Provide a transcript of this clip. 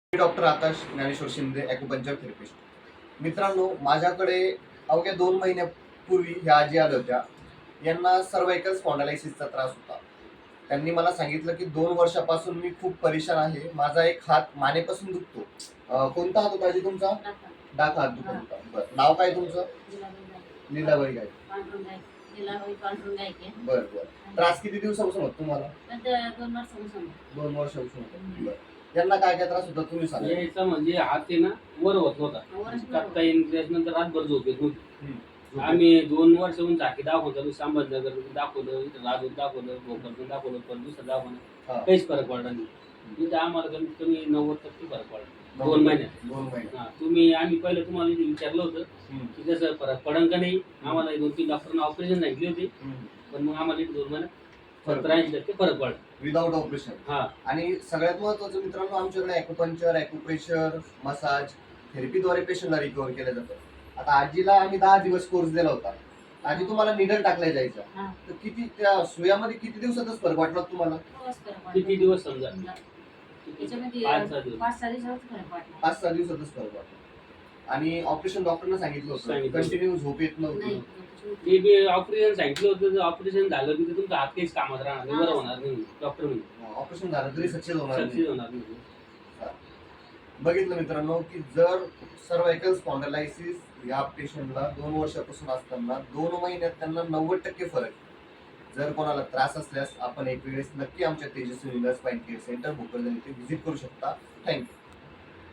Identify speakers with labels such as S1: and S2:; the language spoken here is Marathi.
S1: मी doctor Akash Dnyaneshwar Shinde, acupuncture therapist. मित्रांनो, माझ्याकडे अवघ्या 2 महिन्यापूर्वी ह्या आजी आल्या होत्या. यांना सर्व्हायकल स्पॉन्डिलायसिसचा त्रास होता. त्यांनी मला सांगितलं की 2 वर्षापासून मी खूप परेशान आहे. माझा एक हात मानेपासून दुखतो. कोणता हात होता आजी तुमचा? डाका हात दुखत होता. बरं. नाव काय तुमचं? लीलाबाई गायक. बरं बरं. त्रास किती दिवसापासून होता तुम्हाला? 2 वर्षापासून होता. बरं. यांना काय काय त्रास होता तुम्ही सांगा.
S2: यायचा म्हणजे हात आहे ना वर होत नव्हता. टाकता येईल त्याच्यानंतर रातभर झोप येत नव्हती. आम्ही 2 वर्षाहून झाकी दाखवतो, संभाजीनगर दाखवलं, इथं राजूर दाखवलं, भोकरदन दाखवलं, पण दुसरं दाखवलं, काहीच फरक पडला नाही. तिथे आम्हाला कमीत कमी 90% फरक पडला 2 महिन्यात.
S1: 2 महिन्यात.
S2: आम्ही पहिलं तुम्हाला विचारलं होतं की कसं फरक पडन का नाही. आम्हाला 2-3 डॉक्टरना ऑपरेशन सांगितले होते, पण मग आम्हाला 2 महिन्यात 70-80% फरक पडला
S1: विदाउट ऑपरेशन. आणि सगळ्यात महत्त्वाचं मित्रांनो, आमच्याकडे ॲक्युपंक्चर, ॲक्युप्रेशर, मसाज थेरपीद्वारे पेशंटला रिकव्हर केलं जातं. आता आजीला आम्ही 10 दिवस कोर्स दिला होता. आजी तुम्हाला निडल टाकल्या जायचा, तर किती त्या सुयामध्ये किती दिवसातच फरक वाटला तुम्हाला?
S2: किती दिवस समजा
S3: 5-6
S1: दिवसातच फरक वाटला. आणि ऑपरेशन डॉक्टरने सांगितलं होतं, कंटिन्यू झोप येत नव्हती.
S2: ते बी ऑपरेशन सांगितलं होतं. ऑपरेशन झालं की तुमचा हात काहीच कामात राहणार नाही, बरं होणार नाही डॉक्टर म्हणजे.
S1: ऑपरेशन झालं तरी सक्सेस होणार
S2: नाही.
S1: बघितलं मित्रांनो की जर सर्व्हायकल स्पॉन्डिलायसिस या पेशंटला 2 वर्षापासून असताना 2 महिन्यात त्यांना 90% फरक. जर कोणाला त्रास असल्यास आपण एक वेळेस नक्की आमच्या Tejaswi spine care centre Bhokardan येथे व्हिजिट करू शकता. थँक्यू.